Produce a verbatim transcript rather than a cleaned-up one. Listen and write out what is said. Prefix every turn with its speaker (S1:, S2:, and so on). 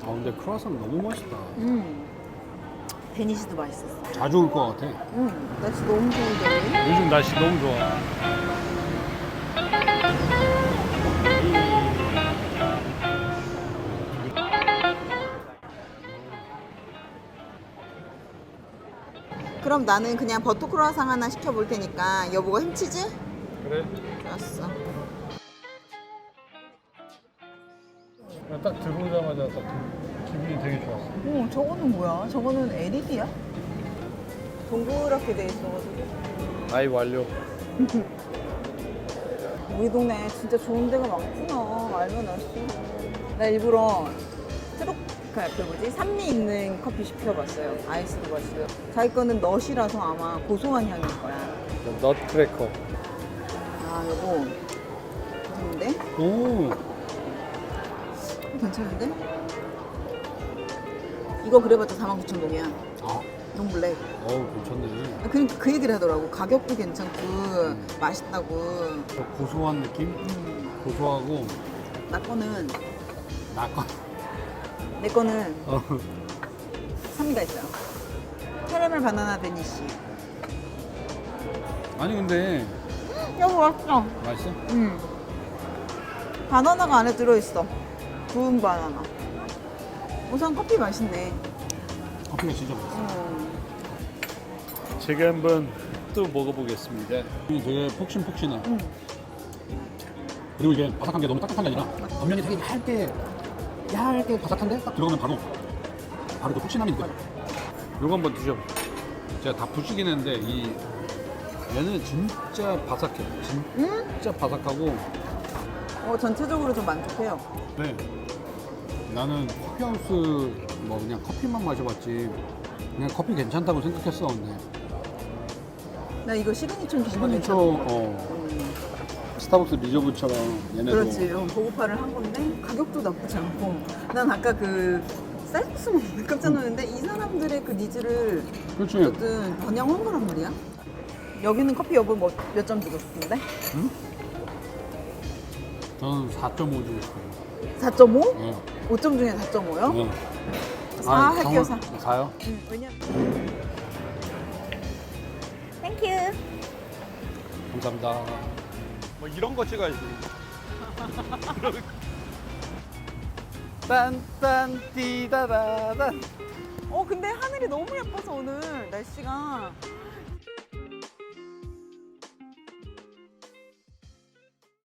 S1: 아 근데 크루아상 너무 맛있다.
S2: 음. 데니시도 맛있었어.
S1: 자주 올 것 같아.
S2: 음. 날씨 너무 좋은데.
S1: 요즘 날씨 너무 좋아.
S2: 그럼 나는 그냥 버터 크루아상 하나 시켜볼 테니까 여보가 햄치즈?
S1: 그래?
S2: 좋았어.
S1: 딱 들어오자마자 딱 기분이 되게 좋았어.
S2: 어, 저거는 뭐야? 저거는 엘이디야? 동그랗게 돼 있어가지고.
S1: 아이 완료.
S2: 우리 동네 진짜 좋은 데가 많구나. 알면 알수. 나 일부러 트로 그, 그 뭐지? 산미 있는 커피 시켜봤어요. 아이스도 마시고요. 자기 거는 넛이라서 아마 고소한 향일 거야.
S1: 넛크래커.
S2: 아 여보 좋은데?
S1: 오.
S2: 괜찮은데? 이거 그래봤자 사만 구천 동이야.
S1: 아.
S2: 롱블랙.
S1: 어우 괜찮네.
S2: 그러니까 그 얘기를 하더라고. 가격도 괜찮고 음. 맛있다고.
S1: 저 고소한 느낌?
S2: 음.
S1: 고소하고
S2: 나 거는
S1: 나 거.
S2: 내 거는
S1: 어.
S2: 산미가 있어요. 캐러멜 바나나 데니시.
S1: 아니 근데
S2: 여보 맛있어.
S1: 맛있어?
S2: 음. 바나나가 안에 들어있어. 구운 바나나. 우선 커피 맛있네.
S1: 커피가 진짜 맛있어.
S2: 음.
S1: 제가 한번 또 먹어보겠습니다. 이게 되게 폭신폭신해.
S2: 음.
S1: 그리고 이게 바삭한 게 너무 딱딱한 게 아니라 겉면이 되게 얇게 얇게 바삭한데 딱 들어가면 바로 바로 그 폭신함이 느껴져. 요거 한번 드셔보세요. 제가 다 부시긴 했는데 이 얘는 진짜 바삭해. 진짜
S2: 음?
S1: 바삭하고.
S2: 어, 전체적으로 좀 만족해요.
S1: 네. 나는 커피하우스 뭐 그냥 커피만 마셔봤지 그냥 커피 괜찮다고 생각했어. 근데
S2: 나 이거 시그니처 기본
S1: 시그니처 어,
S2: 음.
S1: 스타벅스 리저브처럼 얘네도
S2: 그렇지. 이런 고급화를 한 건데 가격도 나쁘지 않고. 난 아까 그 쌀국수 먹는데 깜짝 놀랐는데 이 사람들의 그 니즈를
S1: 그렇지.
S2: 어쨌든 번영한 거란 말이야. 여기는 커피 여보 뭐 몇 점 주고 싶은데?
S1: 응? 저는 사 점 오 주고 싶어요.
S2: 사 점 오?
S1: 네.
S2: 오 점 중에 사 점 오요?
S1: 네.
S2: 사
S1: 아니,
S2: 할게요.
S1: 정-
S2: 사.
S1: 사요?
S2: 응, 왜냐면 땡큐.
S1: 감사합니다. 뭐 이런 거 찍어야지. 딴딴 띠다다단.
S2: 어 근데 하늘이 너무 예뻐서 오늘 날씨가